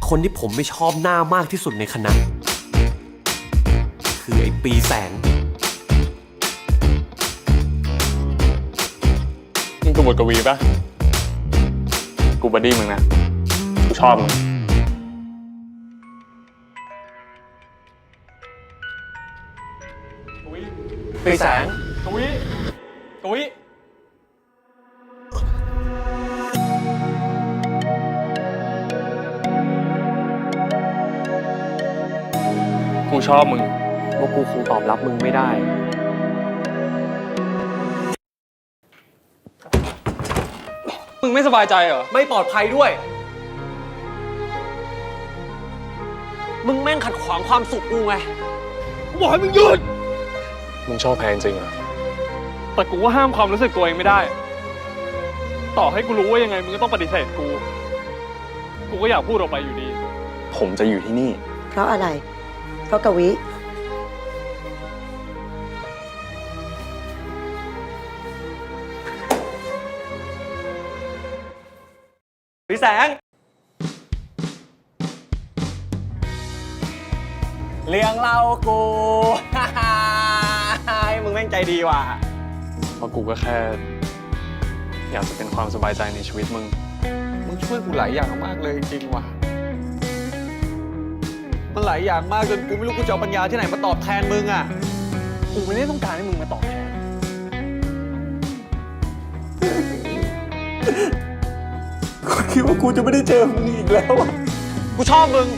คนที่ผมไม่ชอบหน้ามากที่สุดในคณะคือไอ้ปีแสงนี่กูบทกวีปะกูบัดดี้มึงนะกูชอบมึงปีแสงกวีกูชอบมึงว่ากูคงตอบรับมึงไม่ได้มึงไม่สบายใจเหรอไม่ปลอดภัยด้วยมึงแม่งขัดขวางความสุขกูไงกูบอกให้มึงหยุดมึงชอบแพนจริงเหรอแต่กูก็ห้ามความรู้สึกตัวเองไม่ได้ต่อให้กูรู้ว่ายังไงมึงก็ต้องปฏิเสธกูก็อยากพูดออกไปอยู่ดีผมจะอยู่ที่นี่เพราะอะไรเพราะกวิปีแสงเลี้ยงเรากู มึงแม่งใจดีว่ะเพราะกูก็แค่อยากจะเป็นความสบายใจในชีวิตมึงช่วยกูหลายอย่างมากเลยจริงๆว่ะมันหลายอย่างมากจนกูไม่รู้กูจะเอาปัญญาที่ไหนมาตอบแทนมึงอ่ะกูไม่ได้ต้องการให้มึงมาตอบแทนกูคิดว่ากูจะไม่ได้เจอมึงอีกแล้วอ่ะกูชอบมึง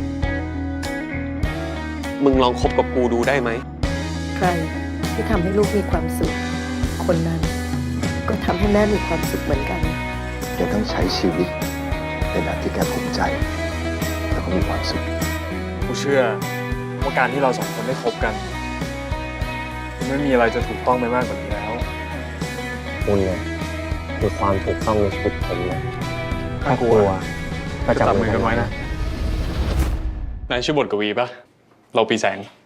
มึงลองคบกับกูดูได้ไหมใครที่ทำให้ลูกมีความสุขคนนั้นก็ทำให้แม่มีความสุขเหมือนกันแกต้องใช้ชีวิตในแบบที่แกภูมิใจแล้วก็มีความสุขกูเชื่อว่าการที่เราสองคนได้คบกันไม่มีอะไรจะถูกต้องไปมากกว่านี้แล้วคุณเนี่ยคือความถูกต้องในชีวิตผมเลยถ้ากลัวก็จับมือกันไว้นะนายชื่อบทกวีปะเราปีแสง